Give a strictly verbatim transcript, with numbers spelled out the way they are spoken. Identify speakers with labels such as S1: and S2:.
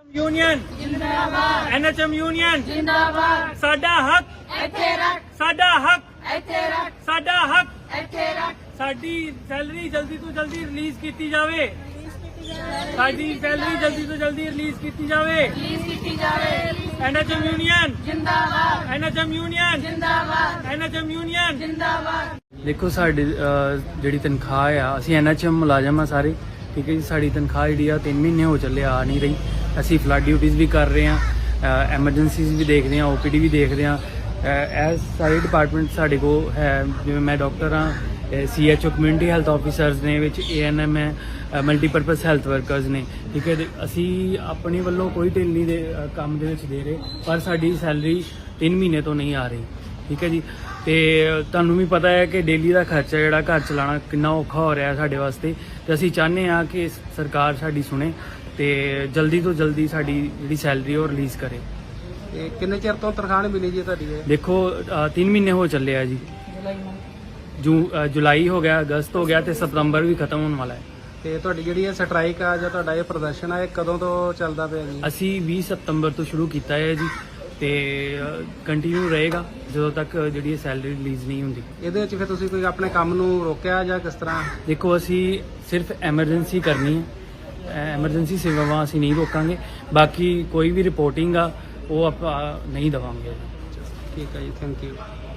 S1: Union जिंदाबाद, NHM union जिंदाबाद। साडा हक इत्थे रख, साडा हक इत्थे रख, साडा हक इत्थे रख। साडी सैलरी जल्दी तो जल्दी रिलीज की जावे, साडी सैलरी जल्दी तो जल्दी रिलीज की जावे, रिलीज की जावे। एनएचएम यूनियन जिंदाबाद, एनएचएम यूनियन जिंदाबाद, एनएचएम यूनियन जिंदाबाद।
S2: देखो साडी ਜਿਹੜੀ ਤਨਖਾਹ ਆ ਅਸੀਂ ਐਨਐਚਐਮ ਮੁਲਾਜ਼ਮ ਆ ਸਾਰੇ, ਠੀਕ ਹੈ ਜੀ। ਸਾਡੀ ਤਨਖਾਹ ਜਿਹੜੀ ਆ ਤਿੰਨ ਮਹੀਨੇ ਹੋ ਚੱਲੇ ਆ ਨਹੀਂ ਰਹੀ। ਅਸੀਂ ਫਲੱਡ ਡਿਊਟੀਜ਼ ਵੀ ਕਰ ਰਹੇ ਹਾਂ, ਐਮਰਜੈਂਸੀਜ਼ ਵੀ ਦੇਖਦੇ ਹਾਂ, ਓਪੀਡੀ ਵੀ ਦੇਖਦੇ ਹਾਂ। ਇਹ ਸਾਰੇ ਡਿਪਾਰਟਮੈਂਟ ਸਾਡੇ ਕੋਲ ਹੈ, ਜਿਵੇਂ ਮੈਂ ਡਾਕਟਰ ਹਾਂ, C H O community health officers ਨੇ, ਵਿੱਚ ਏ ਐਨ ਐਮ ਹੈ, ਮਲਟੀਪਰਪਜ਼ ਹੈਲਥ ਵਰਕਰਸ ਨੇ, ਠੀਕ ਹੈ। ਅਸੀਂ ਆਪਣੇ ਵੱਲੋਂ ਕੋਈ ਢਿੱਲ ਨਹੀਂ ਦੇ ਕੰਮ ਦੇ ਵਿੱਚ ਦੇ ਰਹੇ, ਪਰ ਸਾਡੀ ਸੈਲਰੀ ਤਿੰਨ ਮਹੀਨੇ ਤੋਂ ਨਹੀਂ ਆ ਰਹੀ, ਠੀਕ ਹੈ ਜੀ। ਤੇ ਤੁਹਾਨੂੰ ਵੀ ਪਤਾ ਹੈ ਕਿ ਡੇਲੀ ਦਾ ਖਰਚਾ ਜਿਹੜਾ ਘਰ ਚਲਾਉਣਾ ਕਿੰਨਾ ਔਖਾ ਹੋ ਰਿਹਾ ਸਾਡੇ ਵਾਸਤੇ, ਤੇ ਅਸੀਂ ਚਾਹੁੰਦੇ ਹਾਂ ਕਿ ਸਰਕਾਰ ਸਾਡੀ ਸੁਣੇ ਤੇ ਜਲਦੀ ਤੋਂ ਜਲਦੀ ਸਾਡੀ ਜਿਹੜੀ ਸੈਲਰੀ ਉਹ ਰਿਲੀਜ਼ ਕਰੇ।
S3: ਤੇ ਕਿੰਨੇ ਚਿਰ ਤੋਂ ਤਨਖਾਹ ਨਹੀਂ ਮਿਲੀ ਜੀ ਤੁਹਾਡੀ ਇਹ?
S2: ਦੇਖੋ ਤਿੰਨ ਮਹੀਨੇ ਹੋ ਚੱਲੇ ਆ ਜੀ, ਜੂ ਜੁਲਾਈ ਹੋ ਗਿਆ, ਅਗਸਤ ਹੋ ਗਿਆ ਤੇ ਸਤੰਬਰ ਵੀ ਖਤਮ ਹੋਣ ਵਾਲਾ ਹੈ।
S3: ਤੇ ਤੁਹਾਡੀ ਜਿਹੜੀ ਇਹ ਸਟ੍ਰਾਈਕ ਆ ਜਾਂ ਤੁਹਾਡਾ ਇਹ ਪ੍ਰਦਰਸ਼ਨ ਆ, ਇਹ ਕਦੋਂ ਤੋਂ ਚੱਲਦਾ ਪਿਆ ਜੀ?
S2: ਅਸੀਂ ਵੀਹ ਸਤੰਬਰ ਤੋਂ ਸ਼ੁਰੂ ਕੀਤਾ ਹੈ ਜੀ, ਤੇ ਕੰਟੀਨਿਊ ਰਹੇਗਾ ਜਦੋਂ ਤੱਕ ਜਿਹੜੀ ਸੈਲਰੀ ਰਿਲੀਜ਼ ਨਹੀਂ ਹੁੰਦੀ।
S3: ਇਹਦੇ ਵਿੱਚ ਫਿਰ ਤੁਸੀਂ ਕੋਈ ਆਪਣੇ ਕੰਮ ਨੂੰ ਰੋਕਿਆ ਜਾਂ ਕਿਸ ਤਰ੍ਹਾਂ?
S2: ਦੇਖੋ ਅਸੀਂ ਸਿਰਫ ਐਮਰਜੈਂਸੀ ਕਰਨੀ ਹੈ, ਐਮਰਜੈਂਸੀ ਸੇਵਾਵਾਂ ਅਸੀਂ ਨਹੀਂ ਰੋਕਾਂਗੇ, ਬਾਕੀ ਕੋਈ ਵੀ ਰਿਪੋਰਟਿੰਗ ਆ ਉਹ ਆਪਾਂ ਨਹੀਂ ਦੇਵਾਂਗੇ।
S3: ਠੀਕ ਹੈ ਜੀ, ਥੈਂਕ ਯੂ।